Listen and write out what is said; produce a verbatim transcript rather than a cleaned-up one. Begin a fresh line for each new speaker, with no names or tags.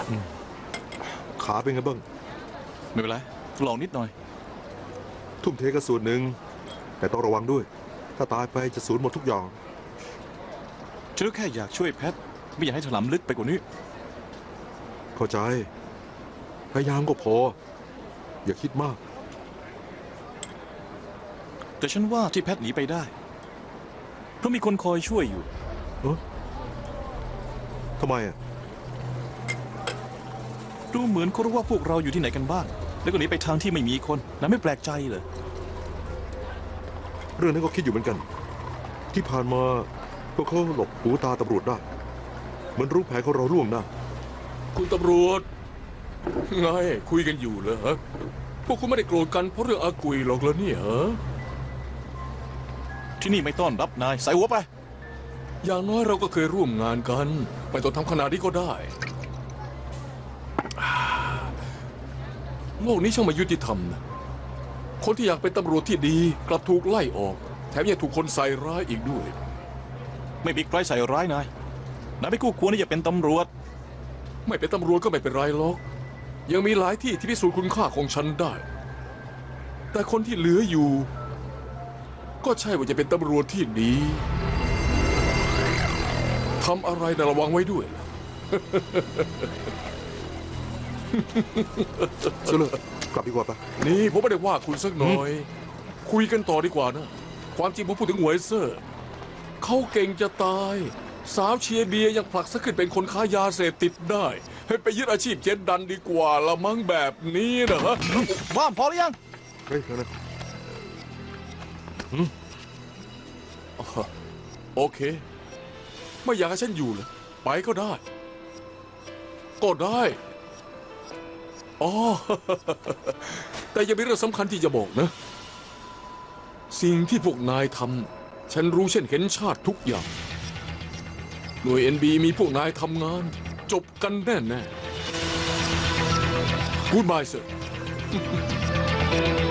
ขาเป็นไงบ้าง
ไม่เป็นไรลองนิดหน่อย
ทุ่มเทกระสุนหนึ่งแต่ต้องระวังด้วยถ้าตายไปจะสูญหมดทุกอย่าง
ฉันก็แค่อยากช่วยแพทไม่อยากให้ถลำลึกไปกว่านี้
เข้าใจพยายามก็พออย่าคิดมาก
แต่ฉันว่าที่แพทหนีไปได้เพราะมีคนคอยช่วยอยู่
เออทำไมอ่ะ
ดูเหมือนเขารู้ว่าพวกเราอยู่ที่ไหนกันบ้างแล้วก็หนีไปทางที่ไม่มีคนนะไม่แปลกใจเลย
เรื่องนั้นก็คิดอยู่เหมือนกันที่ผ่านมาพวกเขาหลบหูตาตำรวจได้เหมือนรู้แผนของเราล่วงหน้า
คุณตำรวจไงคุยกันอยู่เหรอพวกคุณไม่ได้โกรธกันเพราะเรื่องอากุยหรอกเหรอเนี่ยฮะ
ที่นี่ไม่ต้อนรับนายใส่หัวไป
อย่างน้อยเราก็เคยร่วมงานกันไม่ต้องทำขนาดนี้ก็ได้โลกนี้ช่างไม่ยุติธรรมนะคนที่อยากเป็นตำรวจที่ดีกลับถูกไล่ออกแถมยังถูกคนใส่ร้ายอีกด้วย
ไม่มีใครใส่ร้ายนายนายไม่คู่ควรที่จะเป็นตำรวจ
ไม่เป็นตำรวจก็ไม่เป็นไรหรอกยังมีหลายที่ที่พิสูจน์คุณค่าของฉันได้แต่คนที่เหลืออยู่ก็ใช่ว่าจะเป็นตำรวจที่ดีทำอะไรนะระวังไว้ด้วย
เสลอกลับดีกว่าปะ
นี่ผมไม่ได้ว่าคุณสักหน่อยคุยกันต่อดีกว่านะความจริงผมพูดถึงหวยเซอร์เขาเก่งจะตายสาวเชียร์เบียยังผลักซะขึ้นเป็นคนค้ายาเสพติดได้ให้ไปยึดอาชีพเจ็ดดันดีกว่าละมั้งแบบนี้นะฮะ
ว่างพอหรือยัง
เฮ้ยนะ
โอเคไม่อยากให้ฉันอยู่เลยไปก็ได้ก็ได้อ๋อแต่ยังมีเรื่องสำคัญที่จะบอกนะสิ่งที่พวกนายทำฉันรู้เช่นเห็นชาติทุกอย่างหน่วย เอ็น บี มีพวกนายทำงานจบกันแน่แน่ Goodbye sir